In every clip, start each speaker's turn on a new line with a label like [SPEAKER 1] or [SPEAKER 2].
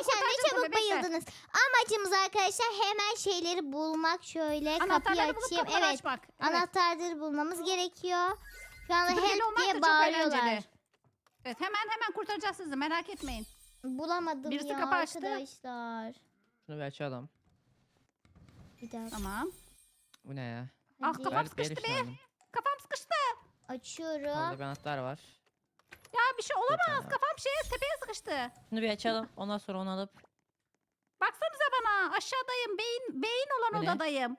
[SPEAKER 1] Arkadaşlar ne
[SPEAKER 2] kurtaracağız
[SPEAKER 1] çabuk
[SPEAKER 2] bunu, bekle.
[SPEAKER 1] bayıldınız. Amacımız arkadaşlar hemen şeyleri bulmak. Şöyle kapıyı
[SPEAKER 2] Anahtarları bulup
[SPEAKER 1] açayım.
[SPEAKER 2] kapıları
[SPEAKER 1] Evet.
[SPEAKER 2] açmak. Evet.
[SPEAKER 1] Anahtarları bulmamız gerekiyor. Şu anda
[SPEAKER 2] Süpürgeli
[SPEAKER 1] help
[SPEAKER 2] olmak da
[SPEAKER 1] diye
[SPEAKER 2] çok
[SPEAKER 1] bağırıyorlar.
[SPEAKER 2] eğlenceli. Evet, hemen kurtaracağız sizi, merak etmeyin.
[SPEAKER 1] Bulamadım
[SPEAKER 2] Birisi
[SPEAKER 1] ya
[SPEAKER 2] kapı açtı.
[SPEAKER 1] arkadaşlar.
[SPEAKER 3] Şunu bir açalım.
[SPEAKER 1] Bir dakika.
[SPEAKER 2] Tamam.
[SPEAKER 3] Bu ne ya?
[SPEAKER 2] Ah,
[SPEAKER 1] Hadi.
[SPEAKER 2] kafam sıkıştı be. Kafam sıkıştı.
[SPEAKER 1] Açıyorum.
[SPEAKER 3] Orada bir anahtar var.
[SPEAKER 2] Ya bir şey olamaz.
[SPEAKER 3] tamam.
[SPEAKER 2] Kafam tepeye sıkıştı.
[SPEAKER 3] Şunu bir açalım. Ondan sonra onu alıp.
[SPEAKER 2] Baksanıza bana. Aşağıdayım. Beyin olan
[SPEAKER 3] Bu ne?
[SPEAKER 2] odadayım.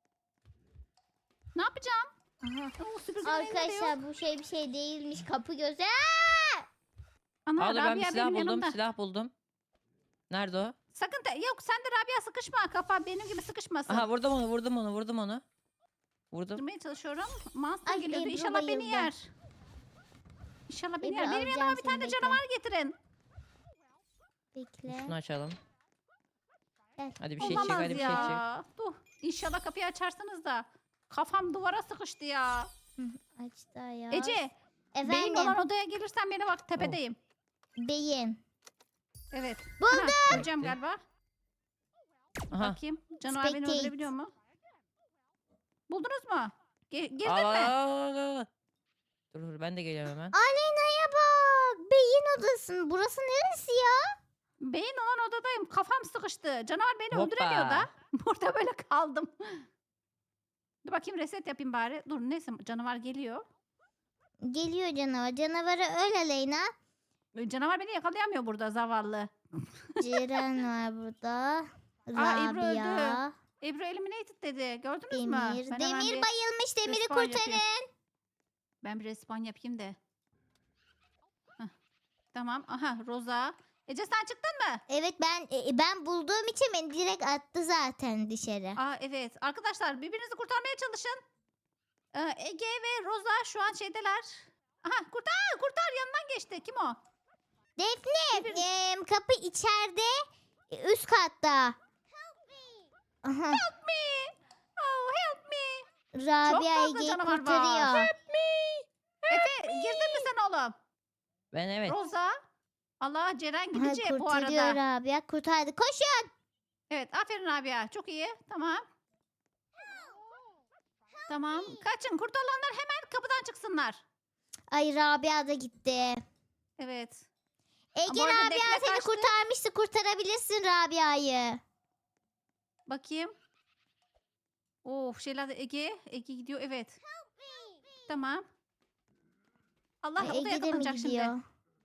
[SPEAKER 2] Ne yapacağım?
[SPEAKER 1] Aha.
[SPEAKER 2] Oo, süpürgenin elinde de yok.
[SPEAKER 1] Arkadaşlar bu bir şey değilmiş. Kapı gözü.
[SPEAKER 2] Ana,
[SPEAKER 3] Aa, dur, ben bir
[SPEAKER 2] Rabia
[SPEAKER 3] silah
[SPEAKER 2] benim
[SPEAKER 3] buldum.
[SPEAKER 2] yanımda.
[SPEAKER 3] Silah buldum. Nerede o?
[SPEAKER 2] Sakın yok, sen de Rabia sıkışma. Kafa benim gibi sıkışmasın.
[SPEAKER 3] Aha, vurdum onu. Vurdum. Vurdum.
[SPEAKER 2] Durmaya çalışıyorum. Monster
[SPEAKER 1] Ay,
[SPEAKER 2] geliyordu.
[SPEAKER 1] Ebru
[SPEAKER 2] İnşallah beni
[SPEAKER 1] bayıldı.
[SPEAKER 2] yer. İnşallah beni
[SPEAKER 1] Ebru,
[SPEAKER 2] yer. Benim
[SPEAKER 1] alacağım
[SPEAKER 2] yanıma bir
[SPEAKER 1] seni,
[SPEAKER 2] tane
[SPEAKER 1] bekle.
[SPEAKER 2] canavar getirin.
[SPEAKER 1] Bekle.
[SPEAKER 3] Şunu açalım.
[SPEAKER 1] Gel.
[SPEAKER 3] Hadi bir şey çık.
[SPEAKER 2] Olamaz
[SPEAKER 3] Hadi bir şey çık.
[SPEAKER 2] ya. Dur. İnşallah kapıyı açarsınız da. Kafam duvara sıkıştı ya.
[SPEAKER 1] Açtı ya.
[SPEAKER 2] Ece, beyin
[SPEAKER 1] Efendim.
[SPEAKER 2] olan odaya gelirsen beni bak, tepedeyim.
[SPEAKER 1] Beyin.
[SPEAKER 2] Evet.
[SPEAKER 1] Buldum.
[SPEAKER 2] Ha, öleceğim galiba.
[SPEAKER 3] Aha.
[SPEAKER 2] Bakayım. Canavar beni
[SPEAKER 1] Spectate.
[SPEAKER 2] öldürebiliyor mu? Buldunuz mu? Girdin
[SPEAKER 3] Al,
[SPEAKER 2] mi?
[SPEAKER 3] al. Dur ben de geliyorum hemen.
[SPEAKER 1] Aleyna'ya bak. Beyin odası. Burası neresi ya?
[SPEAKER 2] Beyin olan odadayım. Kafam sıkıştı. Canavar beni
[SPEAKER 3] Hoppa.
[SPEAKER 2] öldüremiyor da. Burada böyle kaldım. Dur bakayım, reset yapayım bari. Dur, neyse, canavar geliyor.
[SPEAKER 1] Geliyor canavar. Canavarı öl Aleyna.
[SPEAKER 2] Canavar beni yakalayamıyor burada, zavallı.
[SPEAKER 1] Ceren var burada.
[SPEAKER 2] Aa, Ebru
[SPEAKER 1] Rabia.
[SPEAKER 2] Ebru eliminated dedi. Gördünüz mü?
[SPEAKER 1] Demir.
[SPEAKER 2] Ben hemen
[SPEAKER 1] Demir
[SPEAKER 2] bir
[SPEAKER 1] bayılmış. Demiri
[SPEAKER 2] respawn
[SPEAKER 1] kurtarın.
[SPEAKER 2] yapayım. Ben bir respawn yapayım da. Heh. Tamam. Aha, Roza. Ece, sen çıktın mı?
[SPEAKER 1] Evet ben bulduğum için beni direkt attı zaten dışarı.
[SPEAKER 2] Aa, evet. Arkadaşlar, birbirinizi kurtarmaya çalışın. Ege ve Roza şu an şeydeler. Aha, kurtar yanından geçti. Kim o?
[SPEAKER 1] Defne kapı içeride üst katta. Aha,
[SPEAKER 2] Help me. Oh, help me.
[SPEAKER 1] Rabia
[SPEAKER 2] fazla
[SPEAKER 1] Ege'yi
[SPEAKER 2] canavar var.
[SPEAKER 1] kurtarıyor.
[SPEAKER 2] Efe, girdin mi sen oğlum?
[SPEAKER 3] Ben evet.
[SPEAKER 2] Roza. Allah, Ceren
[SPEAKER 1] Aha,
[SPEAKER 2] gidecek bu
[SPEAKER 1] kurtarıyor
[SPEAKER 2] arada.
[SPEAKER 1] Rabia. Kurtardı. Koşun.
[SPEAKER 2] Evet, aferin Rabia. Çok iyi. Tamam. Tamam. Kaçın. Kurtulanlar hemen kapıdan çıksınlar.
[SPEAKER 1] Ay Rabia da gitti.
[SPEAKER 2] Evet.
[SPEAKER 1] Ege
[SPEAKER 2] Bu arada
[SPEAKER 1] Rabia
[SPEAKER 2] Defne
[SPEAKER 1] seni
[SPEAKER 2] kaçtı.
[SPEAKER 1] kurtarmıştı. Kurtarabilirsin Rabia'yı.
[SPEAKER 2] Bakayım. Of, şeyler de Ege gidiyor. Evet. Tamam. Allah, o da
[SPEAKER 1] Ege de mi
[SPEAKER 2] yakalanacak
[SPEAKER 1] gidiyor?
[SPEAKER 2] şimdi.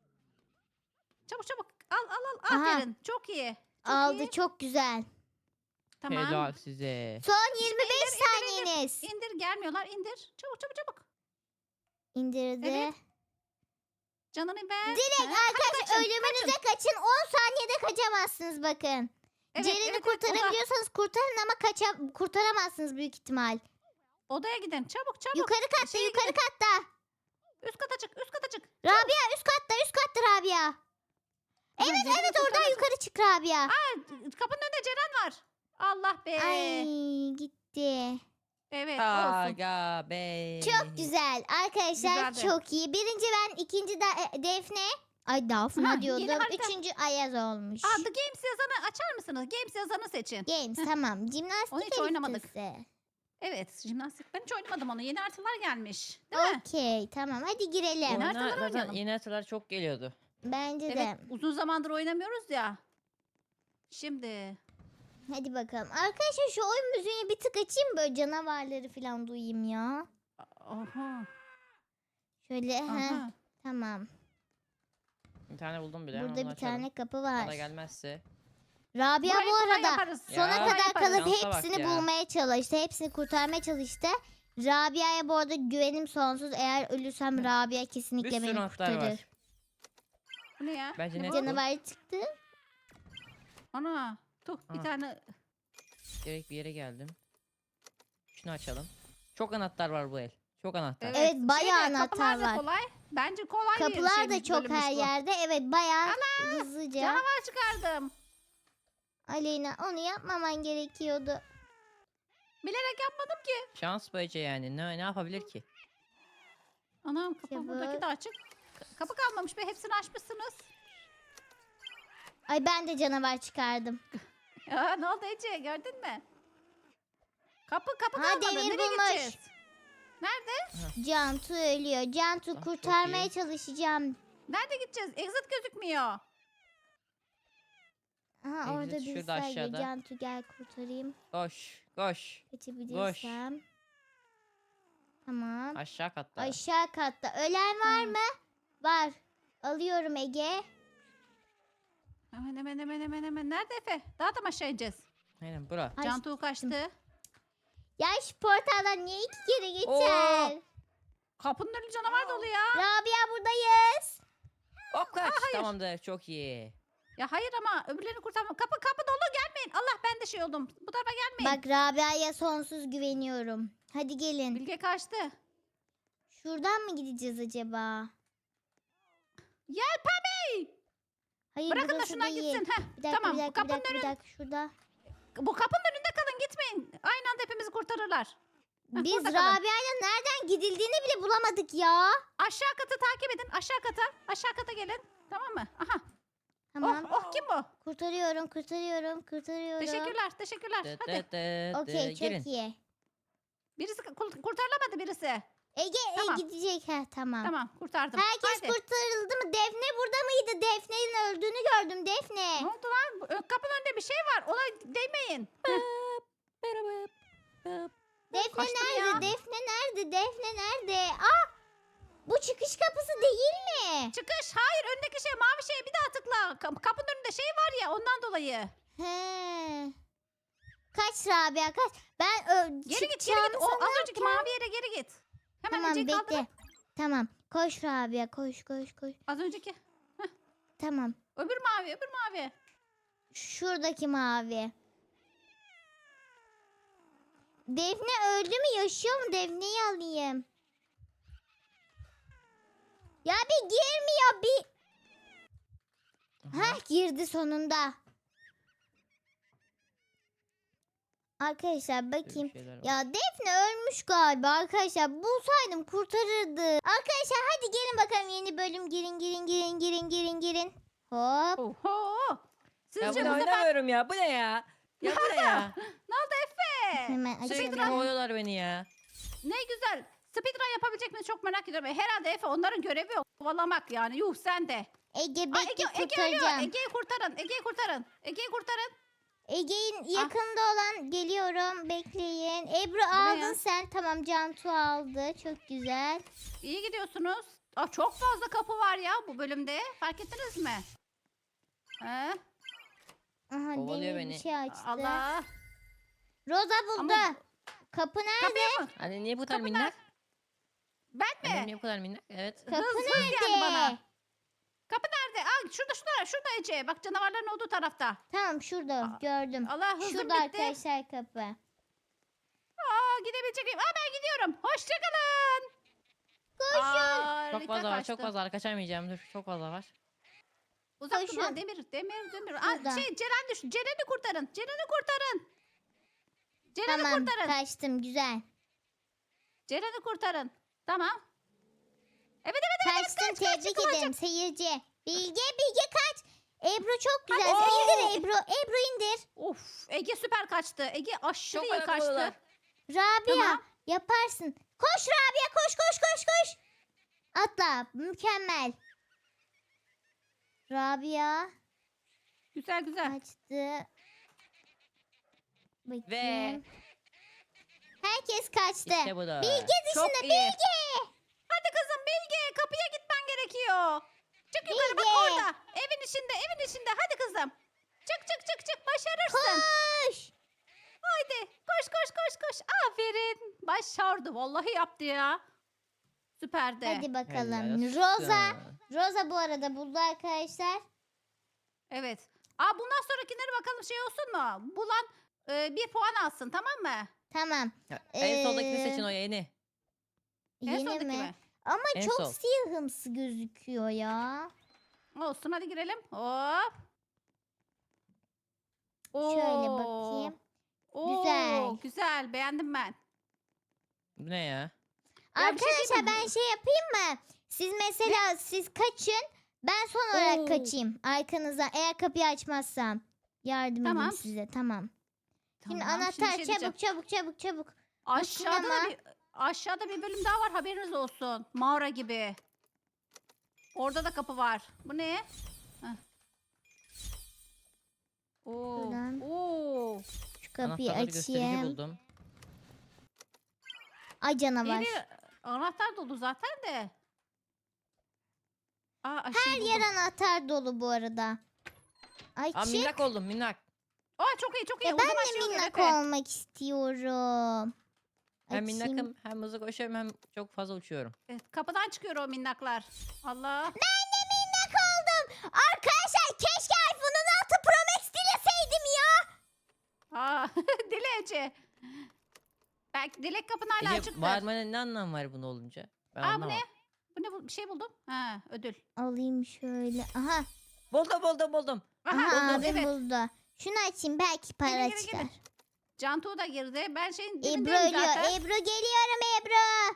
[SPEAKER 2] Çabuk. Al.
[SPEAKER 1] Aha.
[SPEAKER 2] Aferin. Çok iyi. Çok
[SPEAKER 1] Aldı
[SPEAKER 2] iyi.
[SPEAKER 1] çok güzel.
[SPEAKER 2] Tamam.
[SPEAKER 3] Helal size.
[SPEAKER 1] Son 25
[SPEAKER 2] indir.
[SPEAKER 1] saniyeniz.
[SPEAKER 2] İndir, gelmiyorlar. İndir. Çabuk.
[SPEAKER 1] İndirdi.
[SPEAKER 2] Evet. Canını ver.
[SPEAKER 1] Direkt
[SPEAKER 2] Ha,
[SPEAKER 1] arkadaşlar
[SPEAKER 2] kaçın.
[SPEAKER 1] ölümünüze kaçın. 10 saniyede kaçamazsınız bakın.
[SPEAKER 2] Evet,
[SPEAKER 1] Ceren'i
[SPEAKER 2] evet,
[SPEAKER 1] kurtarabiliyorsanız kurtarın ama kurtaramazsınız büyük ihtimal.
[SPEAKER 2] Odaya gidin. Çabuk.
[SPEAKER 1] Yukarı katta,
[SPEAKER 2] Şeye
[SPEAKER 1] yukarı
[SPEAKER 2] gidin.
[SPEAKER 1] katta.
[SPEAKER 2] Üst kata çık.
[SPEAKER 1] Rabia üst katta Rabia. Evet
[SPEAKER 2] Ceren'i
[SPEAKER 1] oradan
[SPEAKER 2] kurtaracak.
[SPEAKER 1] yukarı çık Rabia.
[SPEAKER 2] Kapının önünde Ceren var. Allah be.
[SPEAKER 1] Ay gitti.
[SPEAKER 2] Evet, olsun.
[SPEAKER 3] Aga be.
[SPEAKER 1] Çok güzel. Arkadaşlar
[SPEAKER 2] Güzeldi.
[SPEAKER 1] çok iyi. Birinci ben, ikinci Defne. Ay Dafna
[SPEAKER 2] Aha, yeni
[SPEAKER 1] diyordum.
[SPEAKER 2] harita.
[SPEAKER 1] Üçüncü Ayaz olmuş.
[SPEAKER 2] The Games yazanı açar mısınız? Games yazanı seçin.
[SPEAKER 1] Games tamam.
[SPEAKER 2] Onu
[SPEAKER 1] Jimnastik
[SPEAKER 2] hiç oynamadık.
[SPEAKER 1] haritası.
[SPEAKER 2] Evet, jimnastik. Ben hiç oynamadım onu. Yeni haritalar gelmiş. Değil mi?
[SPEAKER 1] Okey tamam hadi girelim.
[SPEAKER 2] Yeni
[SPEAKER 3] Oyuna
[SPEAKER 2] haritalar
[SPEAKER 3] zaten
[SPEAKER 2] oynayalım.
[SPEAKER 3] yeni haritalar çok geliyordu.
[SPEAKER 1] Bence
[SPEAKER 2] Evet,
[SPEAKER 1] de.
[SPEAKER 2] uzun zamandır oynamıyoruz ya. Şimdi.
[SPEAKER 1] Hadi bakalım. Arkadaşlar şu oyun müziğini bir tık açayım böyle canavarları falan duyayım ya.
[SPEAKER 2] Aha.
[SPEAKER 1] Şöyle
[SPEAKER 2] Aha.
[SPEAKER 1] tamam.
[SPEAKER 3] Bir tane buldum bile.
[SPEAKER 1] Burada
[SPEAKER 3] onu
[SPEAKER 1] bir
[SPEAKER 3] açalım.
[SPEAKER 1] tane kapı
[SPEAKER 3] O
[SPEAKER 1] var.
[SPEAKER 3] da gelmezse.
[SPEAKER 1] Rabia
[SPEAKER 2] Burayı
[SPEAKER 1] bu
[SPEAKER 2] kolay
[SPEAKER 1] arada
[SPEAKER 2] yaparız.
[SPEAKER 1] sona
[SPEAKER 3] Ya.
[SPEAKER 1] kadar
[SPEAKER 2] Kolay
[SPEAKER 1] kalıp
[SPEAKER 2] yaparız.
[SPEAKER 3] Şansa bak
[SPEAKER 1] hepsini
[SPEAKER 3] ya.
[SPEAKER 1] bulmaya çalıştı. Hepsini kurtarmaya çalıştı. Rabia'ya bu arada güvenim sonsuz. Eğer ölürsem Rabia
[SPEAKER 3] Bir
[SPEAKER 1] kesinlikle
[SPEAKER 3] sürü
[SPEAKER 1] beni
[SPEAKER 3] anahtar
[SPEAKER 1] kurtarır.
[SPEAKER 3] var.
[SPEAKER 2] Bu ne ya?
[SPEAKER 3] Bence
[SPEAKER 2] Ne
[SPEAKER 3] net
[SPEAKER 2] bu?
[SPEAKER 3] bu.
[SPEAKER 1] Canavar çıktı.
[SPEAKER 2] Ana. Bir
[SPEAKER 3] Aha.
[SPEAKER 2] tane.
[SPEAKER 3] Gerek bir yere geldim. Şunu açalım. Çok anahtar var bu el. Çok anahtar.
[SPEAKER 1] Evet, bayağı
[SPEAKER 2] Şeyde,
[SPEAKER 1] anahtar
[SPEAKER 2] kapılar da
[SPEAKER 1] var.
[SPEAKER 2] kolay. Bence kolay bir
[SPEAKER 1] Kapılar da
[SPEAKER 2] şeymiş,
[SPEAKER 1] çok
[SPEAKER 2] bölümmüş
[SPEAKER 1] her
[SPEAKER 2] bu.
[SPEAKER 1] yerde. Evet bayağı hızlıca.
[SPEAKER 2] Canavar çıkardım.
[SPEAKER 1] Aleyna onu yapmaman gerekiyordu.
[SPEAKER 2] Bilerek yapmadım ki.
[SPEAKER 3] Şans böylece yani. Ne yapabilir ki?
[SPEAKER 2] Anam, kapı
[SPEAKER 1] Çabuk.
[SPEAKER 2] buradaki de açık. Kapı kalmamış be, hepsini açmışsınız.
[SPEAKER 1] Ay ben de canavar çıkardım.
[SPEAKER 2] Ya ne oldu Ece gördün mü? Kapı
[SPEAKER 1] Ha,
[SPEAKER 2] kalmadı.
[SPEAKER 1] demir
[SPEAKER 2] Nereye
[SPEAKER 1] bulmuş.
[SPEAKER 2] gideceğiz? Nerede?
[SPEAKER 1] Cantu ölüyor. Cantu
[SPEAKER 3] Ah, çok
[SPEAKER 1] kurtarmaya
[SPEAKER 3] iyi.
[SPEAKER 1] çalışacağım.
[SPEAKER 2] Nerede gideceğiz? Exit gözükmüyor.
[SPEAKER 1] Aha orada
[SPEAKER 3] Exit
[SPEAKER 1] bir
[SPEAKER 3] şurada
[SPEAKER 1] sayı.
[SPEAKER 3] aşağıda.
[SPEAKER 1] Cantu gel kurtarayım.
[SPEAKER 3] Koş. Koş.
[SPEAKER 1] Kaçabilirsem. Tamam.
[SPEAKER 3] Aşağı katta.
[SPEAKER 1] Aşağı katta. Ölen var mı? Var. Alıyorum Ege.
[SPEAKER 2] Hemen. Nerede Efe? Daha da mı aşağı ineceğiz?
[SPEAKER 3] Aynen bura.
[SPEAKER 1] Ay,
[SPEAKER 2] Cantu kaçtı.
[SPEAKER 1] Ya şu portaldan niye 2 kere geçer?
[SPEAKER 2] Kapının önü canavar dolu ya.
[SPEAKER 1] Rabia buradayız.
[SPEAKER 3] Hop kaç. Tamamdır. Çok iyi.
[SPEAKER 2] Ya hayır ama öbürlerini kurtarma. Kapı dolu gelmeyin. Allah ben de şey oldum. Bu tarafa gelmeyin.
[SPEAKER 1] Bak Rabia'ya sonsuz güveniyorum. Hadi gelin.
[SPEAKER 2] Bilge kaçtı.
[SPEAKER 1] Şuradan mı gideceğiz acaba?
[SPEAKER 2] Yelpameyi.
[SPEAKER 1] Hayır
[SPEAKER 2] Bırakın da
[SPEAKER 1] burası
[SPEAKER 2] şundan
[SPEAKER 1] değil.
[SPEAKER 2] gitsin. Heh,
[SPEAKER 1] Bir dakika,
[SPEAKER 2] tamam.
[SPEAKER 1] bir dakika, bir
[SPEAKER 2] kapının
[SPEAKER 1] dakika, bir
[SPEAKER 2] önü.
[SPEAKER 1] dakika. Şurada.
[SPEAKER 2] Bu kapının önünde kalın gitmeyin. Aynı anda hepimizi kurtarırlar.
[SPEAKER 1] Biz
[SPEAKER 2] burada kalın.
[SPEAKER 1] Rabia'yla nereden gidildiğini bile bulamadık ya.
[SPEAKER 2] Aşağı katı takip edin. Aşağı kata. Aşağı kata gelin. Tamam mı? Aha.
[SPEAKER 1] Tamam.
[SPEAKER 2] Oh kim bu?
[SPEAKER 1] Kurtarıyorum. Kurtarıyorum.
[SPEAKER 2] Teşekkürler.
[SPEAKER 3] Dıt
[SPEAKER 2] Hadi.
[SPEAKER 3] dıt dıt
[SPEAKER 1] Okey
[SPEAKER 3] dıt.
[SPEAKER 1] çok
[SPEAKER 3] Gelin.
[SPEAKER 1] iyi.
[SPEAKER 2] Birisi kurtarılamadı birisi.
[SPEAKER 1] Ege
[SPEAKER 2] Tamam.
[SPEAKER 1] gidecek. Ha, tamam.
[SPEAKER 2] Tamam kurtardım.
[SPEAKER 1] Herkes
[SPEAKER 2] Hadi.
[SPEAKER 1] kurtarıldı mı? Defne burada mıydı? Defne'nin öldüğünü gördüm. Defne.
[SPEAKER 2] Ne oldu lan? Kapının önünde bir şey var. Ona değmeyin.
[SPEAKER 1] Defne
[SPEAKER 2] Kaçtım
[SPEAKER 1] nerede?
[SPEAKER 2] ya.
[SPEAKER 1] Defne nerede? Ah! Bu çıkış kapısı değil mi?
[SPEAKER 2] Çıkış. Hayır öndeki şey mavi şeye bir daha tıkla. Kapının önünde şey var ya ondan dolayı.
[SPEAKER 1] He. Kaç Rabia kaç. Ben
[SPEAKER 2] Geri git.
[SPEAKER 1] çıkacağını
[SPEAKER 2] O az
[SPEAKER 1] sanırken-
[SPEAKER 2] önceki mavi yere geri git. Hemen
[SPEAKER 1] Tamam
[SPEAKER 2] Ece'yi
[SPEAKER 1] bekle.
[SPEAKER 2] kaldırın.
[SPEAKER 1] Tamam. Koş Rabia koş.
[SPEAKER 2] Az önceki.
[SPEAKER 1] Tamam.
[SPEAKER 2] Öbür mavi.
[SPEAKER 1] Şuradaki mavi. Defne öldü mü? Yaşıyor mu? Defne'yi alayım. Ya bir girmiyor bir. Heh girdi sonunda. Arkadaşlar
[SPEAKER 3] Böyle
[SPEAKER 1] bakayım.
[SPEAKER 3] şeyler var.
[SPEAKER 1] Ya Defne ölmüş galiba arkadaşlar. Bulsaydım kurtarırdı. Arkadaşlar hadi gelin bakalım yeni bölüm. Girin. Hop.
[SPEAKER 2] Oho.
[SPEAKER 3] Ya
[SPEAKER 2] Sizce
[SPEAKER 3] bu
[SPEAKER 2] bu
[SPEAKER 3] ne
[SPEAKER 2] sefer
[SPEAKER 3] oynamıyorum ya. Bu ne ya? Ya bu ne ya?
[SPEAKER 2] ne oldu Efe?
[SPEAKER 1] Hemen
[SPEAKER 3] Sürekli
[SPEAKER 1] açalım.
[SPEAKER 3] kovalıyorlar beni ya.
[SPEAKER 2] Ne güzel. Speedrun yapabilecek miyiz çok merak ediyorum. Herhalde Efe onların görevi o. Kovalamak yani. Yuh sen de.
[SPEAKER 1] Ege
[SPEAKER 2] Aa,
[SPEAKER 1] bekle
[SPEAKER 2] Ege ölüyor.
[SPEAKER 1] kurtaracağım.
[SPEAKER 2] Ege'yi kurtarın.
[SPEAKER 1] Ege'nin yakında olan geliyorum. Bekleyin. Ebru
[SPEAKER 2] Buraya.
[SPEAKER 1] aldın sen. Tamam Cantu aldı. Çok güzel.
[SPEAKER 2] İyi gidiyorsunuz. Aa, çok fazla kapı var ya bu bölümde. Fark ettiniz mi? He?
[SPEAKER 1] Aha
[SPEAKER 3] Kovalıyor
[SPEAKER 1] demir bir
[SPEAKER 3] beni.
[SPEAKER 1] şey açtı.
[SPEAKER 2] Allah.
[SPEAKER 1] Roza buldu.
[SPEAKER 2] Ama-
[SPEAKER 1] Kapı nerede?
[SPEAKER 2] Kapıya mı?
[SPEAKER 3] Hani niye bu kadar
[SPEAKER 2] Kapı
[SPEAKER 3] minnak?
[SPEAKER 2] Ben
[SPEAKER 3] Annem
[SPEAKER 2] mi?
[SPEAKER 3] niye bu kadar minnak? Evet.
[SPEAKER 1] Kapı
[SPEAKER 2] Hız
[SPEAKER 1] nerede?
[SPEAKER 2] geldi bana. Kapı nerede? Aa, şurada Ece. Bak canavarların olduğu tarafta.
[SPEAKER 1] Tamam şurada
[SPEAKER 2] Aa,
[SPEAKER 1] gördüm.
[SPEAKER 2] Allah hızım
[SPEAKER 1] Şurada
[SPEAKER 2] bitti.
[SPEAKER 1] arkadaşlar kapı.
[SPEAKER 2] Aa, gidebilecek miyim? Aa, ben gidiyorum. Hoşçakalın.
[SPEAKER 1] Koşun.
[SPEAKER 3] Çok fazla var. Çok fazla var. Kaçamayacağım. Dur. Çok fazla var.
[SPEAKER 2] Uzak dur
[SPEAKER 1] Koşun.
[SPEAKER 2] lan demir.
[SPEAKER 1] Şurada.
[SPEAKER 2] Aa, Ceren düştü. Ceren'i kurtarın. Ceren'i
[SPEAKER 1] Tamam
[SPEAKER 2] kurtarın.
[SPEAKER 1] kaçtım güzel.
[SPEAKER 2] Ceren'i kurtarın. Tamam. Evet.
[SPEAKER 1] Kaçtın tebrik ederim seyirci. Bilge kaç. Ebru çok güzel.
[SPEAKER 2] Hadi.
[SPEAKER 1] İndir Ebru indir.
[SPEAKER 2] Of, Ege süper kaçtı. Ege aşırı
[SPEAKER 3] Çok
[SPEAKER 2] iyi kaçtı.
[SPEAKER 3] ayakkabılar.
[SPEAKER 1] Rabia
[SPEAKER 2] Tamam.
[SPEAKER 1] yaparsın. Koş Rabia koş. Atla mükemmel. Rabia
[SPEAKER 2] Güzel.
[SPEAKER 1] kaçtı. Bakayım. Herkes kaçtı.
[SPEAKER 3] İşte bu da.
[SPEAKER 1] Bilge
[SPEAKER 2] Çok
[SPEAKER 1] dışında
[SPEAKER 2] iyi.
[SPEAKER 1] Bilge.
[SPEAKER 2] Hadi kızım Bilge kapıya gitmen gerekiyor. Çık yukarı bak
[SPEAKER 1] Bilge.
[SPEAKER 2] orada. Evin içinde. Hadi kızım. Çık. Başarırsın.
[SPEAKER 1] Koş.
[SPEAKER 2] Haydi. Koş. Aferin. Başardı. Vallahi yaptı ya. Süperdi.
[SPEAKER 1] Hadi bakalım.
[SPEAKER 3] Helal olsun.
[SPEAKER 1] Roza bu arada buldu arkadaşlar.
[SPEAKER 2] Evet. Aa, bundan sonrakileri bakalım şey olsun mu? Bulan bir puan alsın tamam mı?
[SPEAKER 1] Tamam.
[SPEAKER 3] Ya, en soldakini
[SPEAKER 1] Ee,
[SPEAKER 3] seçin o yeni.
[SPEAKER 2] En
[SPEAKER 1] Yeni
[SPEAKER 2] soldaki
[SPEAKER 1] mi?
[SPEAKER 2] mi?
[SPEAKER 1] Ama
[SPEAKER 3] En
[SPEAKER 1] çok
[SPEAKER 3] sol.
[SPEAKER 1] siyahımsı gözüküyor ya.
[SPEAKER 2] Olsun hadi girelim. Hop.
[SPEAKER 1] Şöyle
[SPEAKER 2] Oo.
[SPEAKER 1] bakayım.
[SPEAKER 2] Oo,
[SPEAKER 1] Güzel.
[SPEAKER 2] Güzel. Beğendim ben.
[SPEAKER 3] Bu ne ya?
[SPEAKER 2] Ya bir şey
[SPEAKER 1] Arkadaşlar
[SPEAKER 2] diyeyim mi?
[SPEAKER 1] ben şey yapayım mı? Siz mesela siz kaçın. Ben son olarak
[SPEAKER 2] Oo.
[SPEAKER 1] kaçayım. Arkanızdan eğer kapıyı açmazsam. Yardım
[SPEAKER 2] Tamam.
[SPEAKER 1] edeyim size. Tamam. Şimdi
[SPEAKER 2] Tamam,
[SPEAKER 1] anahtar
[SPEAKER 2] şey diyeceğim.
[SPEAKER 1] çabuk.
[SPEAKER 2] Aşağıda
[SPEAKER 1] sinema.
[SPEAKER 2] aşağıda bir bölüm daha var, haberiniz olsun. Mağara gibi. Orada da kapı var. Bu ne? Heh. Oo.
[SPEAKER 1] Şuradan.
[SPEAKER 2] Oo.
[SPEAKER 1] Şu kapıyı
[SPEAKER 3] Anahtarları gösterici
[SPEAKER 1] açayım.
[SPEAKER 3] buldum.
[SPEAKER 1] Ay canavar.
[SPEAKER 2] Yeni anahtar dolu zaten de. Aa,
[SPEAKER 1] Her yer anahtar dolu bu arada. Ay
[SPEAKER 3] Aa,
[SPEAKER 1] çık.
[SPEAKER 3] minnak oldum minnak.
[SPEAKER 2] Aa, çok iyi çok iyi.
[SPEAKER 1] Ben
[SPEAKER 2] Hızlı
[SPEAKER 1] de
[SPEAKER 2] başlıyoruz
[SPEAKER 1] minnak
[SPEAKER 2] Efe.
[SPEAKER 1] olmak istiyorum.
[SPEAKER 3] Hem
[SPEAKER 1] Açayım.
[SPEAKER 3] minnakım hem hızlı koşuyorum hem çok fazla uçuyorum.
[SPEAKER 2] Evet, kapıdan çıkıyor o minnaklar. Allah.
[SPEAKER 1] Ben de minnak oldum. Arkadaşlar keşke iPhone 16 Pro Max dileseydim ya.
[SPEAKER 2] Aa, Dilece. Belki Dilek kapın hala
[SPEAKER 3] Ece
[SPEAKER 2] açıktır.
[SPEAKER 3] bağırmanın ne anlamı var bunu olunca? Ben
[SPEAKER 2] Aa, bu
[SPEAKER 3] anlamadım.
[SPEAKER 2] ne? Bu ne? Bir şey buldum. Ha, ödül.
[SPEAKER 1] Alayım şöyle. Aha.
[SPEAKER 3] Buldum.
[SPEAKER 2] Aha,
[SPEAKER 1] Aha
[SPEAKER 2] buldum,
[SPEAKER 1] abim
[SPEAKER 2] evet.
[SPEAKER 1] buldu. Şunu açayım belki para
[SPEAKER 2] Gelin,
[SPEAKER 1] çıkar.
[SPEAKER 2] Cantu da girdi. Ben şeyin
[SPEAKER 1] Ebru
[SPEAKER 2] dibindeyim
[SPEAKER 1] ölüyor.
[SPEAKER 2] zaten.
[SPEAKER 1] Ebru geliyorum Ebru.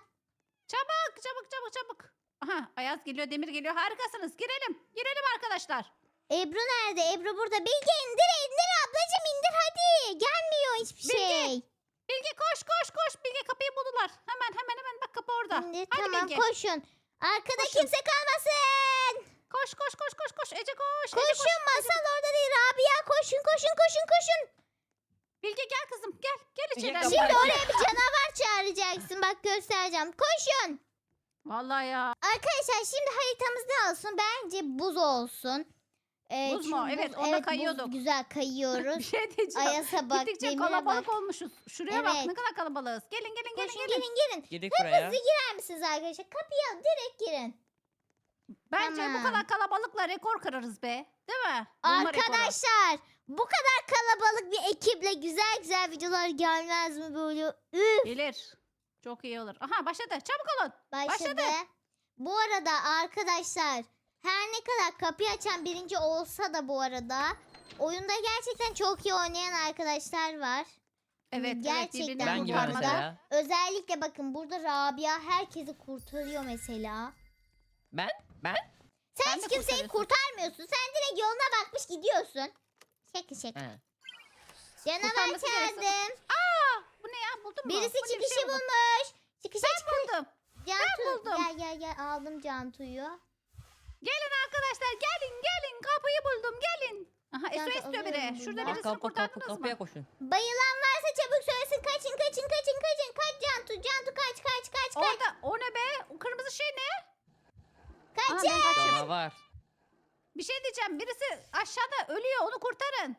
[SPEAKER 2] Çabuk. Aha, Ayaz geliyor, Demir geliyor. Harikasınız. Girelim arkadaşlar.
[SPEAKER 1] Ebru nerede? Ebru burada. Bilge indir ablacığım indir hadi. Gelmiyor hiçbir
[SPEAKER 2] Bilge,
[SPEAKER 1] şey.
[SPEAKER 2] Bilge koş. Bilge kapıyı buldular. Hemen bak, kapı orada.
[SPEAKER 1] İndir,
[SPEAKER 2] Hadi
[SPEAKER 1] tamam
[SPEAKER 2] Bilge.
[SPEAKER 1] koşun. Arkada
[SPEAKER 2] Koşun.
[SPEAKER 1] kimse kalmasın.
[SPEAKER 2] Koş. Ece koş.
[SPEAKER 1] Koşun masal orada değil. Rabia koşun.
[SPEAKER 2] Bilge gel kızım. Gel
[SPEAKER 3] Bilge,
[SPEAKER 2] içeri.
[SPEAKER 3] kapıyı
[SPEAKER 1] Şimdi
[SPEAKER 3] aç.
[SPEAKER 1] oraya bir canavar çağıracaksın. Bak göstereceğim. Koşun.
[SPEAKER 2] Vallahi ya.
[SPEAKER 1] Arkadaşlar şimdi haritamız ne olsun? Bence buz olsun.
[SPEAKER 2] Buz mu?
[SPEAKER 1] çünkü
[SPEAKER 2] Evet, onda
[SPEAKER 1] buz
[SPEAKER 2] kayıyorduk.
[SPEAKER 1] güzel
[SPEAKER 2] Bir
[SPEAKER 1] kayıyoruz.
[SPEAKER 2] şey diyeceğim.
[SPEAKER 1] Ayas'a bak,
[SPEAKER 2] Gittikçe
[SPEAKER 1] demire
[SPEAKER 2] kalabalık
[SPEAKER 1] bak.
[SPEAKER 2] olmuşuz. Şuraya bak,
[SPEAKER 1] Evet.
[SPEAKER 2] ne kadar kalabalığız. Gelin.
[SPEAKER 1] Koşun gelin.
[SPEAKER 3] Girdik buraya.
[SPEAKER 1] Hızlı girer misiniz arkadaşlar? Kapıya direkt girin.
[SPEAKER 2] Bence bu
[SPEAKER 1] Tamam.
[SPEAKER 2] kadar kalabalıkla rekor kırarız be. Değil mi? Bulma rekoru.
[SPEAKER 1] Arkadaşlar bu kadar kalabalık bir ekiple güzel videolar gelmez mi böyle? Üf.
[SPEAKER 2] Gelir. Çok iyi olur. Aha, başladı. Çabuk olun.
[SPEAKER 1] Başladı. Bu arada arkadaşlar her ne kadar kapıyı açan birinci olsa da bu arada oyunda gerçekten çok iyi oynayan arkadaşlar var.
[SPEAKER 2] Evet,
[SPEAKER 1] Gerçekten
[SPEAKER 2] birbirini
[SPEAKER 3] Ben gibi
[SPEAKER 1] kurtarmada.
[SPEAKER 2] kurtarmada.
[SPEAKER 3] mesela.
[SPEAKER 1] Özellikle bakın burada Rabia herkesi kurtarıyor mesela.
[SPEAKER 3] Ben?
[SPEAKER 1] Sen
[SPEAKER 2] Sen
[SPEAKER 1] hiç
[SPEAKER 2] de
[SPEAKER 1] kimseyi
[SPEAKER 2] kurtarıyorsun.
[SPEAKER 1] kurtarmıyorsun. Sen direkt yoluna bakmış gidiyorsun. Şaka.
[SPEAKER 3] He.
[SPEAKER 1] Canavar
[SPEAKER 2] Kurtarması gerekiyor.
[SPEAKER 1] çağırdım.
[SPEAKER 2] Aa, bu ne ya? Buldun mu?
[SPEAKER 1] Birisi
[SPEAKER 2] Bu ne? Bir
[SPEAKER 1] çıkışı
[SPEAKER 2] şey buldum.
[SPEAKER 1] bulmuş. Çıkışa
[SPEAKER 2] Ben buldum.
[SPEAKER 1] Cantu
[SPEAKER 2] buldum.
[SPEAKER 1] gel aldım Cantu'yu.
[SPEAKER 2] Gelin arkadaşlar, gelin. Kapıyı buldum, gelin. Aha,
[SPEAKER 1] Ben de
[SPEAKER 2] SOS diyor biri.
[SPEAKER 1] alıyorum
[SPEAKER 2] Şurada
[SPEAKER 1] buradan.
[SPEAKER 2] birisini kurtardınız
[SPEAKER 3] Kapıya
[SPEAKER 2] mı?
[SPEAKER 3] koşun.
[SPEAKER 1] Bayılan varsa çabuk söylesin. Kaçın. Kaç Cantu kaç.
[SPEAKER 2] Orada, o ne be? O kırmızı şey ne? Aha,
[SPEAKER 1] Kaçın.
[SPEAKER 2] ben kaçıyorum.
[SPEAKER 3] Canavar.
[SPEAKER 2] Bir şey diyeceğim. Birisi aşağıda ölüyor. Onu kurtarın.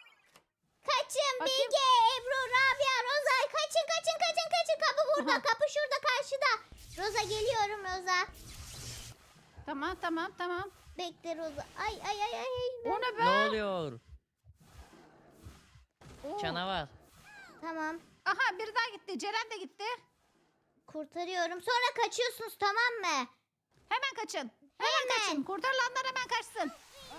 [SPEAKER 1] Kaçın
[SPEAKER 2] Bakayım.
[SPEAKER 1] Bilge, Ebru, Rabia, Roza. Kaçın. Kapı burada.
[SPEAKER 2] Aha.
[SPEAKER 1] Kapı şurada karşıda. Roza geliyorum Roza.
[SPEAKER 2] Tamam.
[SPEAKER 1] Bekle Roza. Ay.
[SPEAKER 2] O ne be?
[SPEAKER 3] Ne oluyor?
[SPEAKER 2] Oo.
[SPEAKER 3] Canavar.
[SPEAKER 1] Tamam.
[SPEAKER 2] Aha, biri daha gitti. Ceren de gitti.
[SPEAKER 1] Kurtarıyorum. Sonra kaçıyorsunuz tamam mı?
[SPEAKER 2] Hemen kaçın.
[SPEAKER 1] Hemen.
[SPEAKER 2] Kaçın. Kurtarılanlar hemen kaçsın.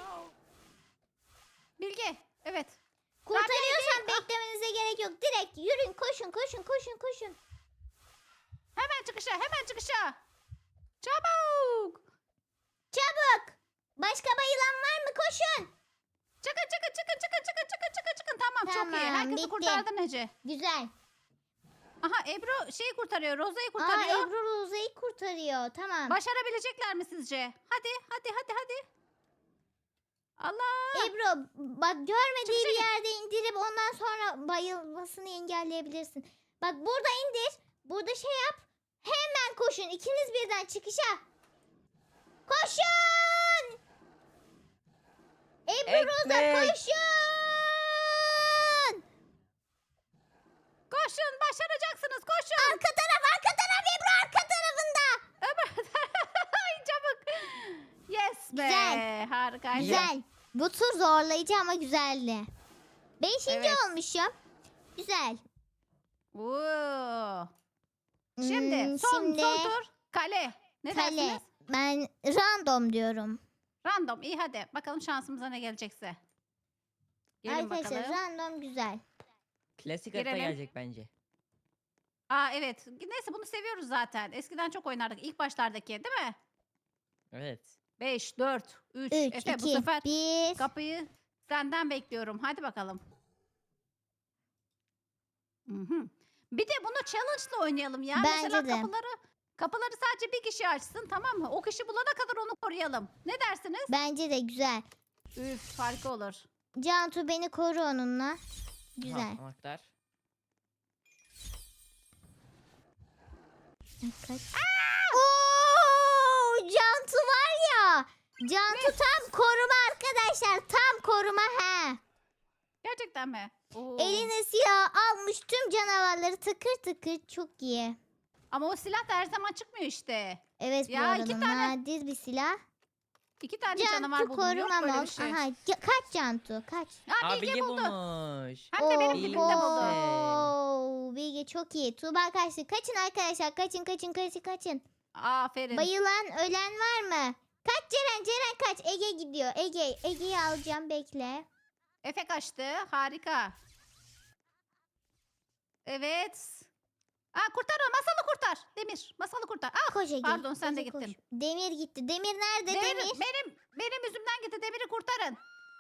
[SPEAKER 2] Bilge. Evet.
[SPEAKER 1] Kurtarıyorsan beklemenize gerek yok. Direkt yürüyün koşun.
[SPEAKER 2] Hemen çıkışa. Çabuk.
[SPEAKER 1] Çabuk. Başka bayılan var mı? Koşun.
[SPEAKER 2] Çıkın. Tamam, çok iyi.
[SPEAKER 1] Tamam,
[SPEAKER 2] Herkesi
[SPEAKER 1] bitti.
[SPEAKER 2] kurtardın Ece.
[SPEAKER 1] Güzel.
[SPEAKER 2] Aha, Ebru şeyi kurtarıyor. Roza'yı
[SPEAKER 1] Aa,
[SPEAKER 2] kurtarıyor.
[SPEAKER 1] Ebru Roza'yı kurtarıyor. Tamam.
[SPEAKER 2] Başarabilecekler mi sizce? Hadi. Allah.
[SPEAKER 1] Ebru bak görmediği
[SPEAKER 2] Çıkışa
[SPEAKER 1] bir
[SPEAKER 2] git.
[SPEAKER 1] yerde indirip ondan sonra bayılmasını engelleyebilirsin. Bak burada indir. Burada şey yap. Hemen koşun. İkiniz birden çıkışa. Koşun. Ebru Roza
[SPEAKER 3] Ekmek.
[SPEAKER 1] koşun.
[SPEAKER 2] Koşun, başaracaksınız. Koşun.
[SPEAKER 1] Arka taraf Ebru arka tarafında.
[SPEAKER 2] Ay, çabuk. Yes be.
[SPEAKER 1] Güzel.
[SPEAKER 2] Harikaydı.
[SPEAKER 1] Güzel. Bu tur zorlayıcı ama güzeldi. Beşinci
[SPEAKER 2] Evet.
[SPEAKER 1] olmuşum. Güzel.
[SPEAKER 2] Oo. Şimdi
[SPEAKER 1] Hmm,
[SPEAKER 2] son tur. Kale. Ne
[SPEAKER 1] kale.
[SPEAKER 2] dersiniz?
[SPEAKER 1] Ben random diyorum.
[SPEAKER 2] Random. İyi hadi. Bakalım şansımıza ne gelecekse. Gelin
[SPEAKER 1] Arkadaşlar
[SPEAKER 2] bakalım.
[SPEAKER 1] random güzel.
[SPEAKER 3] Klasik harita
[SPEAKER 2] Girelim.
[SPEAKER 3] gelecek bence.
[SPEAKER 2] Aa, evet. Neyse, bunu seviyoruz zaten. Eskiden çok oynardık. İlk başlardaki, değil mi?
[SPEAKER 3] Evet.
[SPEAKER 2] 5, 4, 3.
[SPEAKER 1] 3,
[SPEAKER 2] Efe bu
[SPEAKER 1] 2,
[SPEAKER 2] sefer
[SPEAKER 1] 1.
[SPEAKER 2] kapıyı senden bekliyorum. Hadi bakalım. Mhm. Bir de bunu challenge'la oynayalım ya.
[SPEAKER 1] Bence
[SPEAKER 2] Mesela
[SPEAKER 1] de.
[SPEAKER 2] kapıları sadece bir kişi açsın, tamam mı? O kişi bulana kadar onu koruyalım. Ne dersiniz?
[SPEAKER 1] Bence de güzel.
[SPEAKER 2] Üf, harika olur.
[SPEAKER 1] Cantu beni koru onunla. Güzel.
[SPEAKER 3] Aha, anahtar.
[SPEAKER 1] Kaç. Oo, Cantu var ya. Cantu tam koruma arkadaşlar. Tam koruma he.
[SPEAKER 2] Gerçekten mi? Oo.
[SPEAKER 1] Eline silah almış tüm canavarları tıkır tıkır, çok iyi.
[SPEAKER 2] Ama o silah da her zaman çıkmıyor işte.
[SPEAKER 1] Evet, bu
[SPEAKER 2] Ya,
[SPEAKER 1] arada
[SPEAKER 2] iki tane-
[SPEAKER 1] nadir bir silah.
[SPEAKER 2] 2 tane canavar
[SPEAKER 1] Cantu
[SPEAKER 2] buldum. Yok
[SPEAKER 1] korumam
[SPEAKER 2] böyle bir
[SPEAKER 1] olsun.
[SPEAKER 2] şey.
[SPEAKER 1] Aha, kaç Cantu kaç.
[SPEAKER 2] Ha,
[SPEAKER 3] Aa,
[SPEAKER 2] Bilge
[SPEAKER 3] Bilge
[SPEAKER 2] buldu.
[SPEAKER 3] bulmuş.
[SPEAKER 2] Hem de benim
[SPEAKER 1] Oo,
[SPEAKER 2] dibimde
[SPEAKER 3] Bilge
[SPEAKER 2] buldu.
[SPEAKER 1] oo, Bilge çok iyi. Tuğba kaçtı. Kaçın arkadaşlar, kaçın.
[SPEAKER 2] Aferin.
[SPEAKER 1] Bayılan ölen var mı? Kaç Ceren kaç. Ege gidiyor. Ege'yi alacağım, bekle.
[SPEAKER 2] Efe kaçtı. Harika. Evet. Aa, kurtar o. Masalı kurtar. Demir. Masalı kurtar. Ah,
[SPEAKER 1] Koş Ege.
[SPEAKER 2] pardon, sen de
[SPEAKER 1] Ege, koş.
[SPEAKER 2] gittin.
[SPEAKER 1] Demir gitti. Demir nerede? Demir.
[SPEAKER 2] Benim yüzümden gitti. Demir'i kurtarın.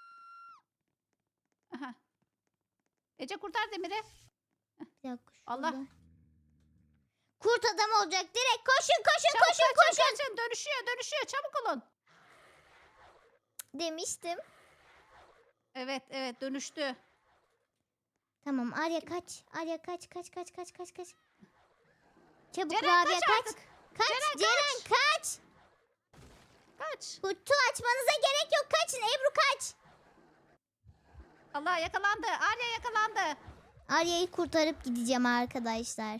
[SPEAKER 2] Aha. Ece kurtar Demir'i.
[SPEAKER 1] Bir dakika,
[SPEAKER 2] Allah.
[SPEAKER 1] şurada. Kurt adam olacak. Direkt koşun.
[SPEAKER 2] Çabuk kaçın. Dönüşüyor. Çabuk olun.
[SPEAKER 1] Demiştim.
[SPEAKER 2] Evet dönüştü.
[SPEAKER 1] Tamam, Arya kaç. Kaç. Çabuk
[SPEAKER 2] Ceren
[SPEAKER 1] Rabia
[SPEAKER 2] kaç
[SPEAKER 1] kaç.
[SPEAKER 2] artık.
[SPEAKER 1] Ceren kaç.
[SPEAKER 2] Kaç.
[SPEAKER 1] Kutu açmanıza gerek yok. Kaçın. Ebru kaç.
[SPEAKER 2] Allah yakalandı. Arya yakalandı.
[SPEAKER 1] Arya'yı kurtarıp gideceğim arkadaşlar.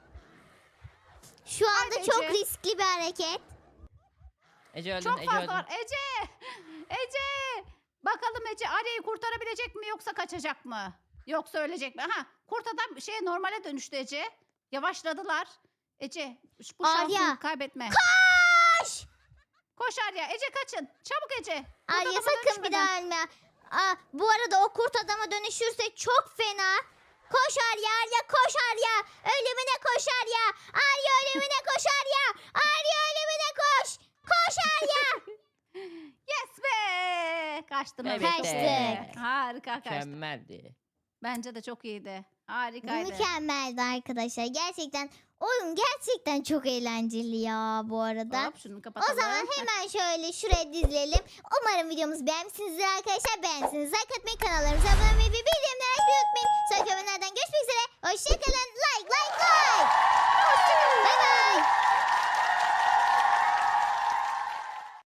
[SPEAKER 1] Şu anda
[SPEAKER 2] Haydi
[SPEAKER 1] çok
[SPEAKER 2] Ece.
[SPEAKER 1] riskli bir hareket.
[SPEAKER 3] Ece öldün.
[SPEAKER 2] Çok
[SPEAKER 3] Ece
[SPEAKER 2] fazla
[SPEAKER 3] öldün.
[SPEAKER 2] var. Ece. Bakalım Ece Arya'yı kurtarabilecek mi yoksa kaçacak mı? Yoksa ölecek mi? Aha, kurt adam normale dönüştü Ece. Yavaşladılar. Ece bu
[SPEAKER 1] Arya.
[SPEAKER 2] şansını kaybetme.
[SPEAKER 1] Koş.
[SPEAKER 2] Koş Arya. Ece kaçın. Çabuk Ece. Kurt
[SPEAKER 1] Arya
[SPEAKER 2] adama
[SPEAKER 1] sakın bir
[SPEAKER 2] dönüşmeden.
[SPEAKER 1] daha ölme. Bu arada o kurt adama dönüşürse çok fena. Koş Arya koş Arya. Ölümüne koş Arya. Arya ölümüne koş Arya. Arya ölümüne koş. Koş Arya.
[SPEAKER 2] Yes be. Kaçtınız.
[SPEAKER 3] Evet
[SPEAKER 1] be.
[SPEAKER 2] Kaçtık. Harika kaçtık.
[SPEAKER 3] Mükemmeldi.
[SPEAKER 2] Bence de çok iyiydi.
[SPEAKER 1] Bu
[SPEAKER 2] Harikaydı.
[SPEAKER 1] mükemmeldi arkadaşlar. Gerçekten oyun gerçekten çok eğlenceli ya bu arada.
[SPEAKER 2] Hop, şunu kapatalım.
[SPEAKER 1] O zaman hemen şöyle şuraya dizilelim. Umarım videomuzu beğenmişsinizdir arkadaşlar. Beğendiyseniz like atmayı, kanallarımıza abone olmayı ve bildirimleri açmayı unutmayın. Sonraki bölümlerden görüşmek üzere. Hoşçakalın. Like. Bay bay.